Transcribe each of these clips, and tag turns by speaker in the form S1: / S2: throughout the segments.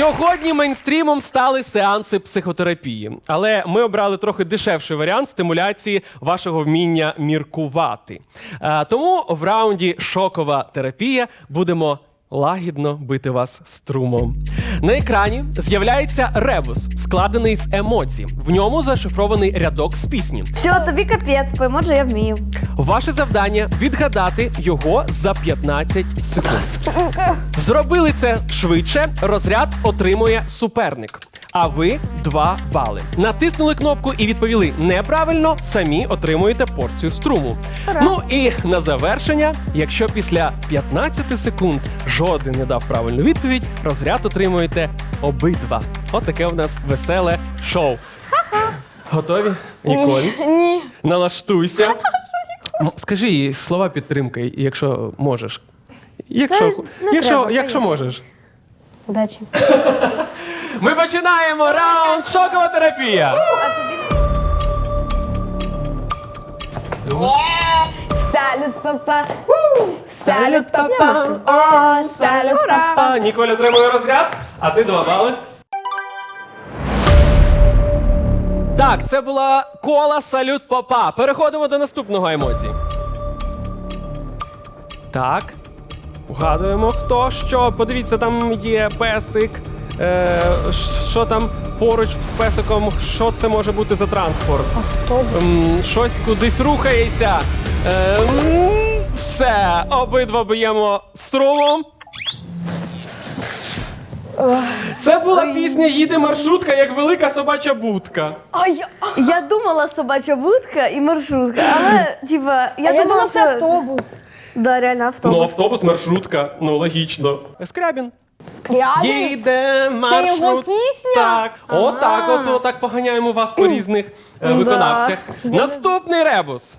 S1: Сьогодні мейнстрімом стали сеанси психотерапії, але ми обрали трохи дешевший варіант стимуляції вашого вміння міркувати. Тому в раунді «Шокова терапія» будемо лагідно бити вас струмом. На екрані з'являється ребус, складений з емоцій. В ньому зашифрований рядок з пісні.
S2: Все, тобі капець, по емоджі я вмію.
S1: Ваше завдання – відгадати його за 15 секунд. Зробили це швидше, розряд отримує суперник. А ви 2 бали. Натиснули кнопку і відповіли неправильно, самі отримуєте порцію струму. Ну і на завершення, якщо після 15 секунд жоден не дав правильну відповідь, розряд отримуєте обидва. От таке у нас веселе шоу. Готові, Ніколь?
S3: Ні.
S1: Налаштуйся. Скажи їй слова підтримки, якщо можеш. Якщо можеш.
S3: Удачі.
S1: Ми починаємо раунд «Шокова терапія».
S3: Салют, папа. Салют, папа. О, салют, папа.
S1: Ніколь отримує розряд, а ти 2 бали. Так, це була кола «Салют, папа». Переходимо до наступного емоції. Так. Вгадуємо, хто що. Подивіться, там є песик. Що там поруч з песиком? Що це може бути за транспорт?
S3: Автобус.
S1: Щось кудись рухається. Все, обидва б'ємо струмом. Це була пісня «Їде маршрутка, як велика собача будка».
S2: Я думала собача будка і маршрутка, але, типа,
S3: Я думала, це автобус.
S2: Да, реально автобус.
S1: Ну, автобус, маршрутка. Ну, логічно. Скрябін.
S3: Скрябін?
S1: Їде маршрут.
S3: Це його пісня?
S1: Так. Отак поганяємо вас по різних виконавцях. Наступний ребус.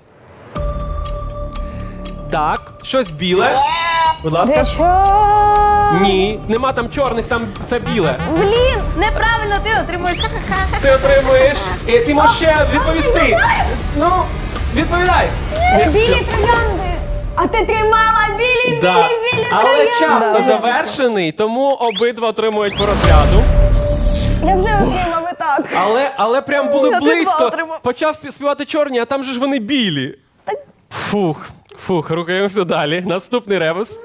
S1: Так, щось біле. Будь ласка. Ні, нема там чорних, там це біле.
S2: Блін, неправильно, ти отримуєш ха-ха-ха.
S1: Ти отримуєш, і ти можеш ще відповісти. Ну, відповідай.
S3: Білі троянди. А ти тримала білі
S1: Да. Але
S3: троянди.
S1: час та завершений, тому обидва отримують по розряду.
S3: Я вже отримав і так.
S1: Але прям були
S2: Я
S1: близько.
S2: два отримав.
S1: Почав співати чорні, а там же ж вони білі. Фух, рухаємося далі. Наступний ребус.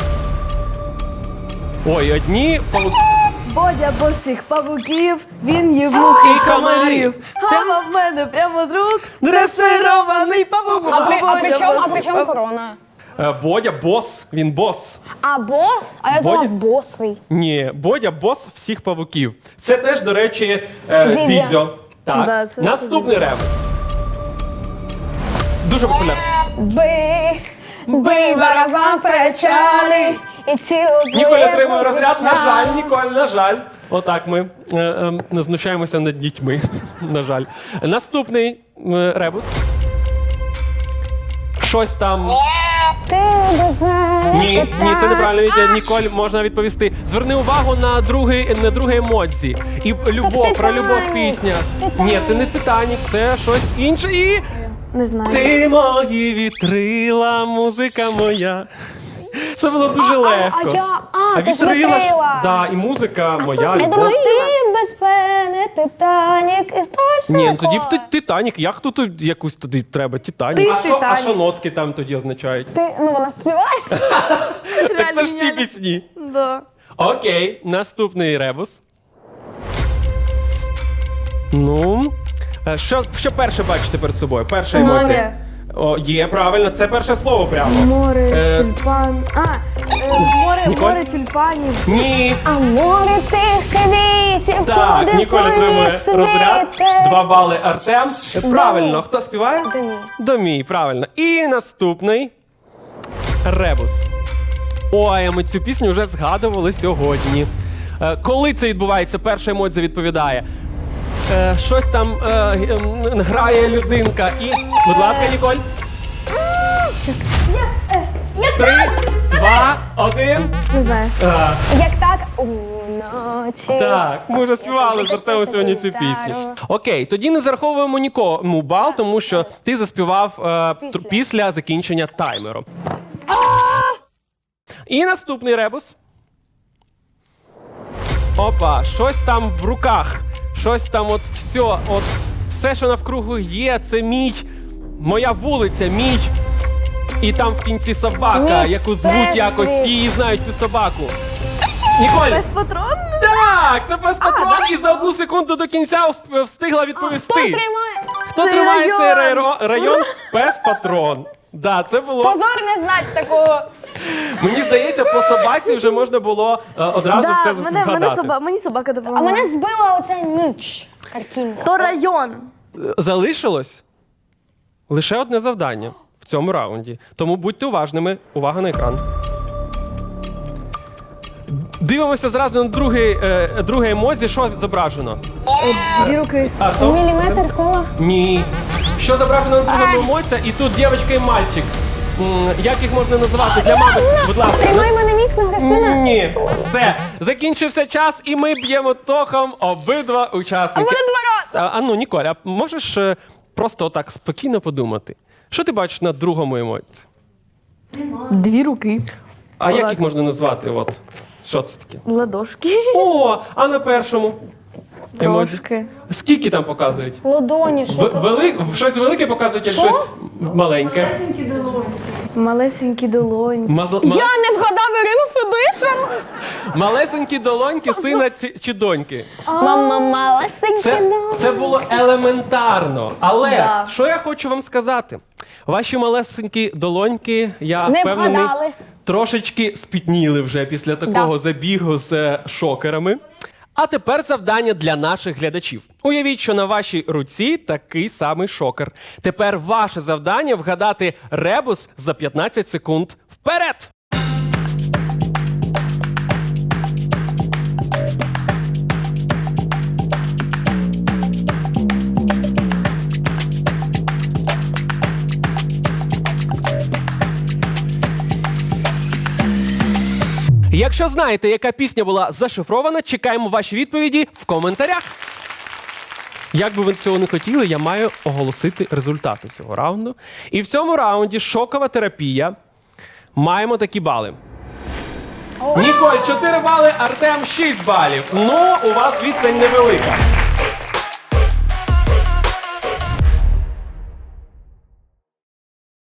S1: Ой, одні
S2: Бодя босих павуків, він їв мух і
S1: І комарів.
S2: комарів. А в мене прямо з рук
S1: дресирований павук.
S3: А при чому корона?
S1: Бодя бос, він бос.
S3: А бос? А я
S1: Бодя?
S3: думав босий.
S1: Ні, Бодя бос всіх павуків. Це теж, до речі,
S3: Дідзьо.
S1: Дідзьо. Так.
S2: Да, це
S1: Наступний ребус. Дуже популярний.
S3: Бий барабан печалі і цілу
S1: Ніколь отримує розряд. На жаль, Ніколь, на жаль. Отак ми знущаємося над дітьми. На жаль. Наступний ребус. Щось там.
S3: Ти без мене.
S1: Ні, це неправильно. Ніколь, можна відповісти. Зверни увагу на друге емодзі. І любов, про любов пісня. Ні, це не Титанік, це щось інше. І
S2: не знаю.
S1: ти мої вітрила, музика моя. Це було дуже легко.
S3: Ти ж
S1: вітрила ж,
S3: вітрила.
S1: да, і музика моя,
S3: Я
S1: любов.
S3: думав, ти без мене, Титанік, і точно.
S1: Ні, ну тоді б Титанік. Як тут якусь тоді треба? Титанік.
S2: Ти
S1: А що
S2: Титанік.
S1: нотки там тоді означають?
S3: Вона співає.
S1: Так це ж всі
S2: геніально.
S1: пісні.
S2: Да.
S1: Окей, наступний ребус. Ну, що перше бачите перед собою? Перша емоція.
S2: Море.
S1: О, є, правильно, це перше слово прямо.
S2: Море, тюльпан.
S1: Ніколь?
S2: Море тюльпанів.
S1: Ні.
S3: А море тих квітів,
S1: Так,
S3: куди
S1: Ніколь отримує розряд.
S3: світе.
S1: 2 бали Артем. Правильно, хто співає?
S3: Домі.
S1: Домій, правильно. І наступний ребус. Ой, а ми цю пісню вже згадували сьогодні. Коли це відбувається, перша емоція відповідає. Щось там грає людинка і... Будь ласка, Ніколь. 3, 2, 1.
S2: Не знаю.
S3: Як так? Уночі.
S1: Так, ми вже співали з Артемом сьогодні цю пісню. Окей, тоді не зараховуємо нікому бал, тому що ти заспівав після закінчення таймеру. І наступний ребус. Опа, щось там в руках. Щось там все, що навкруги є, це моя вулиця, мій. І там в кінці собака,
S3: Мій
S1: яку звуть
S3: всесвіт.
S1: якось, всі її знають цю собаку. Ніколь!
S2: Безпатрон?
S1: Так, це пес-патрон, і за 1 секунду до кінця встигла відповісти.
S3: Хто тримає?
S1: Хто
S2: Це
S1: тримає цей
S2: район?
S1: район? Пес-патрон. Да, це було.
S3: Позор не знати такого.
S1: Мені здається, по собаці вже можна було одразу все згадати.
S2: Мені собака
S3: А
S2: допомагає.
S3: мене збила оця ніч. Картинка.
S2: То район.
S1: Залишилось лише одне завдання в цьому раунді. Тому будьте уважними. Увага на екран. Дивимося зразу на друге емодзі. Що зображено?
S2: 2 руки.
S1: А то?
S3: Міліметр кола.
S1: Ні. Що зображено на другому емодзі? І тут дівчинка і мальчик. Як їх можна називати для мами? Будь ласка.
S3: Тримай мене міцно, Христина.
S1: Ні. Все. Закінчився час, і ми б'ємо током обидва учасники.
S3: Буде 2 рази.
S1: Ну, Ніколь, а можеш просто отак спокійно подумати? Що ти бачиш на другому емоці?
S2: 2 руки.
S1: А як їх можна назвати? Що це таке?
S2: Ладошки.
S1: О, а на першому? емоджі?
S2: Трошки.
S1: Скільки там показують?
S3: Ладоні, що то?
S1: Щось велике показують, як
S3: Що?
S1: щось маленьке.
S2: Малесенькі долоньки.
S3: Я не вгадав Ірину Федишин.
S1: Малесенькі долоньки сина чи доньки.
S3: Мама малесенька.
S1: Це було елементарно. Але
S2: Да.
S1: що я хочу вам сказати? Ваші малесенькі долоньки, я
S3: Не
S1: впевнений,
S3: вгадали.
S1: трошечки спітніли вже після такого забігу з шокерами. А тепер завдання для наших глядачів. Уявіть, що на вашій руці такий самий шокер. Тепер ваше завдання вгадати ребус за 15 секунд. Вперед! Якщо знаєте, яка пісня була зашифрована, чекаємо ваші відповіді в коментарях. Як би ви цього не хотіли, я маю оголосити результати цього раунду. І в цьому раунді шокова терапія. Маємо такі бали. Ніколь 4 бали, Артем 6 балів. Ну, у вас відстань невелика.